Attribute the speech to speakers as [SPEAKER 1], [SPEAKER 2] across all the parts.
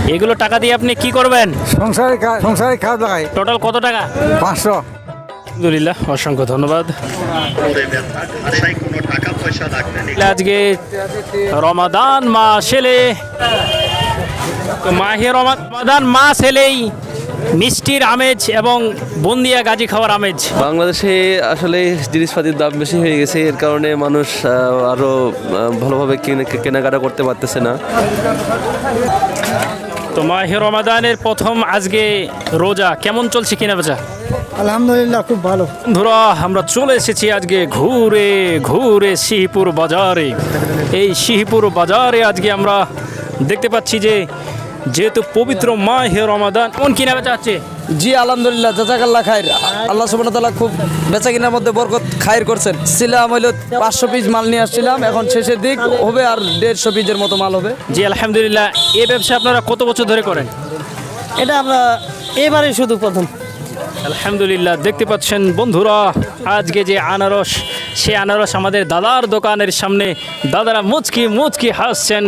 [SPEAKER 1] এগুলো টাকা দিয়ে আপনি কি করবেন?
[SPEAKER 2] সংসারে কাজ লাগাই।
[SPEAKER 1] টোটাল কত টাকা?
[SPEAKER 2] 500।
[SPEAKER 1] আলহামদুলিল্লাহ, অসংখ্য ধন্যবাদ। আজকে রমাদান মাস এলে, তো মাহে রমাদান মাস এলেই মিষ্টির আমেজ এবং বুন্দিয়া গাজি খাওয়ার আমেজ।
[SPEAKER 3] বাংলাদেশে আসলে জিনিসপাতির দাম বেশি হয়ে গেছে, এর কারণে মানুষ আরও ভালোভাবে কেনাকাটা করতে পারতেছে না।
[SPEAKER 1] তো মাহে রমাদানের প্রথম আজকে রোজা, কেমন চলছে কেনা বেচা?
[SPEAKER 2] আলহামদুলিল্লাহ, খুব ভালো।
[SPEAKER 1] বন্ধুরা, আমরা চলে এসেছি আজকে ঘুরে ঘুরে সিহিপুর বাজারে। এই সিহিপুর বাজারে আজকে আমরা দেখতে পাচ্ছি যে যেহেতু পবিত্র মাহে রমাদান, কোন কিনা বেচা হচ্ছে?
[SPEAKER 4] জি আলহামদুলিল্লাহ, জাযাকাল্লাহ খাইর। আল্লাহ সুবহানাহু ওয়া তাআলা খুব বেচা কিনার মধ্যে বরকত খাইর করছেন। ছিলাম হইলো 500 পিস মাল নিয়ে আসছিলাম, এখন শেষের দিক হবে আর 150 পিসের মতো মাল হবে।
[SPEAKER 1] জি আলহামদুলিল্লাহ। এই ব্যবসা আপনারা কত বছর ধরে করেন?
[SPEAKER 4] এটা আমরা এবারে শুধু প্রথম।
[SPEAKER 1] আলহামদুলিল্লাহ, দেখতে পাচ্ছেন বন্ধুরা আজকে যে আনারস, সে আনারস আমাদের দাদার দোকানের সামনে দাদারা মুচকি মুচকি হাসছেন।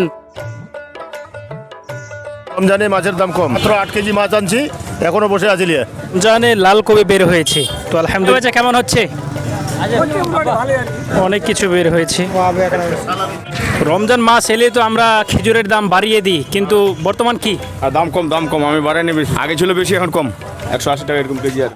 [SPEAKER 5] রমজানে মাছের দাম কম, মাত্র 8 কেজি মাছ আনছি, এখনো বসে আছি লিয়ে।
[SPEAKER 1] জানে লাল কবি বের হয়েছে, তো আলহামদুলিল্লাহ কেমন হচ্ছে? অনেক কিছু বের হয়েছে। রমজান মাস এলে তো আমরা খেজুরের দাম বাড়িয়ে দিই, কিন্তু বর্তমান কি?
[SPEAKER 6] দাম কম, আমি বাড়াইনি বেশি। আগে ছিল বেশি, এখন কম, 180 টাকা এরকম কেজি। আর